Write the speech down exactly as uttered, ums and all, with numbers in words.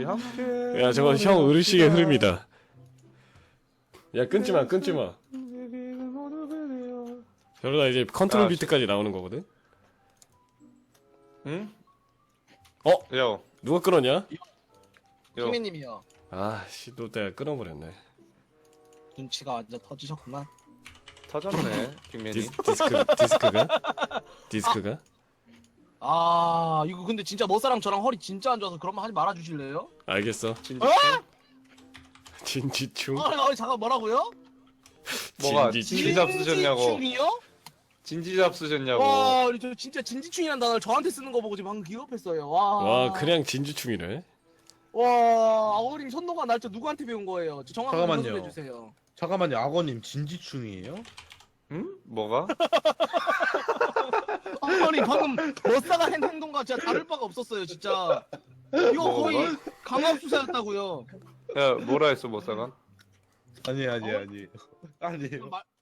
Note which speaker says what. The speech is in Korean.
Speaker 1: 함께.
Speaker 2: 야 저거 형 의식의 흐름이다. 야 끊지마 끊지마. 저러다 이제 컨트롤
Speaker 1: 야,
Speaker 2: 비트까지 나오는 거거든.
Speaker 1: 응?
Speaker 2: 어?
Speaker 1: 야,
Speaker 2: 누가 끊었냐?
Speaker 1: 야.
Speaker 3: 핑맨님이요.
Speaker 2: 아씨 또 내가 끊어버렸네.
Speaker 3: 눈치가 완전 터지셨구만.
Speaker 1: 터졌네, 빅맨이.
Speaker 2: 디스, 디스크 디스크가 디스크가
Speaker 3: 아 이거 근데 진짜 머사랑 저랑 허리 진짜 안 좋아서 그런 말 하지 말아 주실래요?
Speaker 2: 알겠어.
Speaker 1: 진짜.
Speaker 2: 진지충.
Speaker 3: 아, 아 잠깐 뭐라고요?
Speaker 1: 뭐가
Speaker 2: 진지충.
Speaker 1: 진지 잡수셨냐고.
Speaker 3: 진지충이요?
Speaker 1: 진지 잡수셨냐고.
Speaker 3: 와, 저 진짜 진지충이란 단어를 저한테 쓰는 거 보고 지금 방금 기겁했어요. 와.
Speaker 2: 와 그냥 진지충이네.
Speaker 3: 와, 아버님 손동안 날짜 누구한테 배운 거예요? 저 정확하게
Speaker 4: 잠깐만요.
Speaker 3: 설명해 주세요.
Speaker 4: 잠깐만요, 악어님 진지충이에요?
Speaker 1: 응? 뭐가?
Speaker 3: 아버님 방금 머사가 한 행동과 진짜 다를 바가 없었어요, 진짜. 이거
Speaker 1: 뭐가?
Speaker 3: 거의 강압수사였다고요.
Speaker 1: 야, 뭐라 했어, 못사가?
Speaker 4: 아니 아니
Speaker 3: 어?
Speaker 4: 아니 아니.
Speaker 3: 말,